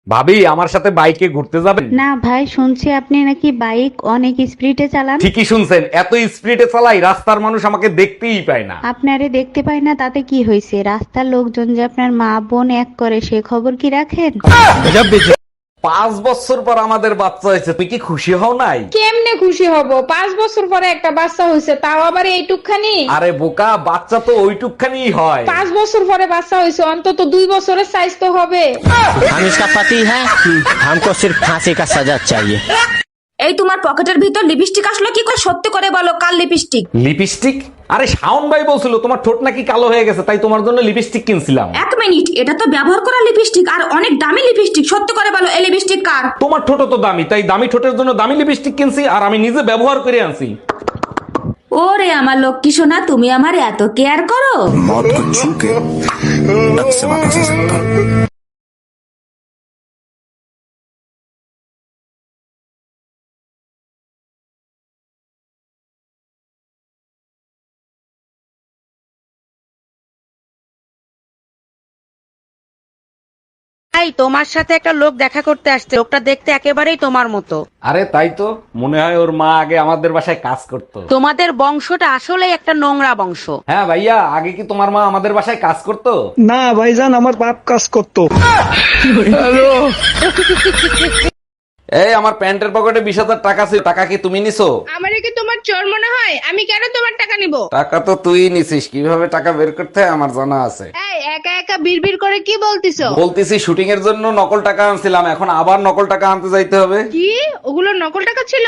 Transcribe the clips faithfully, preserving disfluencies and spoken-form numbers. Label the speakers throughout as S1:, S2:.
S1: ভাবি আমার সাথে বাইকে ঘুরতে যাবেন?
S2: না ভাই, শুনছি আপনি নাকি বাইক অনেক স্পিডে চালান।
S1: ঠিকই শুনছেন, এত স্পিডে চালাই রাস্তার মানুষ আমাকে দেখতেই পায় না।
S2: আপনারে দেখতে পাই না তাতে কি হয়েছে? রাস্তার লোকজন যে আপনার মা বোন এক করে সে খবর কি রাখেন?
S1: পাঁচ বছর পর আমাদের বাচ্চা হয়েছে, তুই কি খুশি হও নাই?
S3: কেমনে খুশি হব? পাঁচ বছর পরে একটা বাচ্চা হয়েছে, তাও আবার এইটুকখানি।
S1: আরে বোকা, বাচ্চা তো ওইটুকখানি হয়।
S3: পাঁচ বছর পরে বাচ্চা হয়েছে, অন্তত দুই বছরের সাইজ তো হবে।
S4: हम इसका पति है, हमको सिर्फ फांसी का सजा चाहिए।
S5: এই তোমার পকেটের ভিতর লিপস্টিক আসলো কি করে? সত্যি করে বলো, কাল লিপস্টিক?
S1: লিপস্টিক? আরে শাওন ভাই বলছিল তোমার ঠোঁট নাকি কালো হয়ে গেছে, তাই তোমার জন্য লিপস্টিক কিনছিলাম।
S5: এক মিনিট, এটা তো ব্যবহার করা লিপস্টিক আর অনেক দামি লিপস্টিক। সত্যি করে বলো, এই লিপস্টিক কার?
S1: তোমার ঠোঁট তো দামি, তাই দামি ঠোঁটের জন্য দামি লিপস্টিক কিনছি, আর আমি নিজে ব্যবহার করে আনছি।
S5: ওরে আমার লক্ষ্মী সোনা, তুমি আমার এত কেয়ার করো।
S6: मौत को छू के नक से वापस आ सकता हूँ।
S7: এই তোমার সাথে একটা লোক দেখা করতে আসছে, লোকটা দেখতে একেবারেই তোমার মতো।
S1: আরে তাই তো, মনে হয় ওর মা আগে আমাদের বাসায় কাজ করতো।
S7: তোমাদের বংশটা আসলে একটা নোংরা বংশ।
S1: হ্যাঁ ভাইয়া, আগে কি তোমার মা আমাদের বাসায় কাজ করতো?
S8: না ভাইজান, আমার বাপ কাজ করতো।
S1: এই আমার প্যান্টের পকেটে বিশ হাজার টাকা ছিল, টাকা কি তুমি নিছো?
S3: আমারে কি তোমার চোর মনে হয়? আমি কেন তোমার টাকা নিব?
S1: টাকা তো তুই নিছিস, কিভাবে টাকা বের করতে হয় আমার জানা আছে।
S3: এই একা একা বিড়বিড় করে কি বলতিছো?
S1: বলতেছি শুটিং এর জন্য নকল টাকা আনছিলাম, এখন আবার নকল টাকা আনতে যাইতে হবে।
S3: কি ওগুলো নকল টাকা ছিল?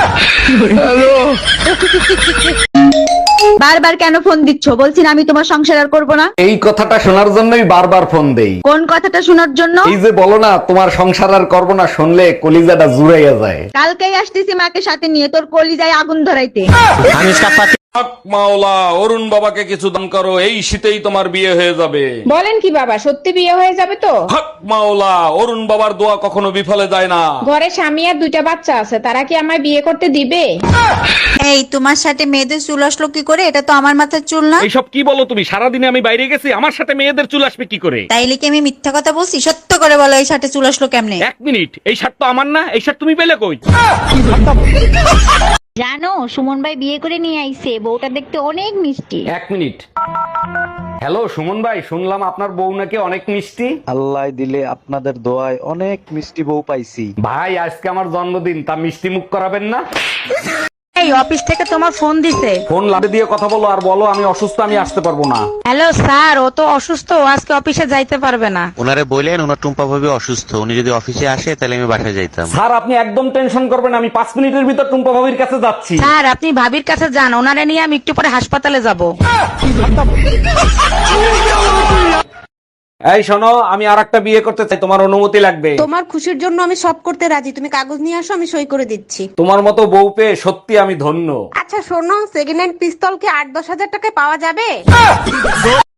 S2: বারবার কেন ফোন দিচ্ছ? বলছি না আমি তোমার সংসার আর করবো না।
S1: এই কথাটা শোনার জন্যই বারবার ফোন দেই।
S2: কোন কথাটা শোনার জন্য?
S1: এই যে বলো না তোমার সংসার আর করবো না, শুনলে কলিজাটা জুড়াইয়া যায়।
S2: কালকেই আসতেছি মাকে সাথে নিয়ে, তোর কলিজায় আগুন ধরাইতে।
S4: हम इसका पति
S1: হক মাওলা, অরুণ বাবাকে কিছু দান করো, এই শীতেই তোমার বিয়ে হয়ে যাবে।
S3: বলেন কি বাবা, সত্যি বিয়ে হয়ে যাবে তো?
S1: হক মাওলা, অরুণ বাবার দোয়া কখনো বিফলে যায় না।
S3: ঘরে স্বামী আর দুইটা বাচ্চা আছে, তারা কি আমায় বিয়ে করতে দিবে?
S2: এই তোমার সাথে মেয়েদের চুল আসলো কি করে? এটা তো আমার মাথার চুল না।
S1: এইসব কি বলো তুমি? সারাদিনে আমি বাইরে গেছি, আমার সাথে মেয়েদের চুল আসবে কি করে?
S2: তাইলে কি আমি মিথ্যা কথা বলছি? সত্য করে বলো, এই সাথে চুল আসলো কেমনে?
S1: এক মিনিট, এই শার্ট তো আমার না, এই শার্ট তুমি পেলে কই?
S2: জানো, সুমন ভাই বিয়ে করে নিয়ে আইছে, বউটা দেখতে অনেক মিষ্টি।
S1: এক মিনিট। হ্যালো সুমন ভাই, শুনলাম আপনার বউ নাকি অনেক মিষ্টি।
S9: আল্লাহ দিলে আপনাদের দোয়ায় অনেক মিষ্টি বউ পাইছি।
S1: ভাই আজকে আমার জন্মদিন, তা মিষ্টি মুখ করাবেন না?
S7: এই অফিস থেকে তোমার ফোন দিছে।
S1: ফোন লাভে দিয়ে কথা বলো আর বলো আমি অসুস্থ, আমি আসতে পারবো না।
S7: হ্যালো স্যার, ও তো অসুস্থ, ও আজকে অফিসে যাইতে পারবে না।
S10: ওনারে বললেন ওনার টুম্পা ভাবি অসুস্থ, উনি যদি অফিসে আসে তাহলে আমি বাসায় যাইতাম।
S1: স্যার আপনি একদম টেনশন করবেন, আমি পাঁচ মিনিটের ভিতর টুম্পা ভাবির কাছে যাচ্ছি।
S7: স্যার আপনি ভাবির কাছে যান, ওনারে নিয়ে আমি একটু পরে হাসপাতালে যাব।
S1: এই শোনো, আমি আর একটা বিয়ে করতে চাই, তোমার অনুমতি লাগবে।
S7: তোমার খুশির জন্য আমি সব করতে রাজি, তুমি কাগজ নিয়ে আসো, আমি সই করে দিচ্ছি।
S1: তোমার মতো বউ পেয়ে সত্যি আমি ধন্য।
S7: আচ্ছা শোনো, সেকেন্ড হ্যান্ড পিস্তল কি আট দশ হাজার টাকায় পাওয়া যাবে?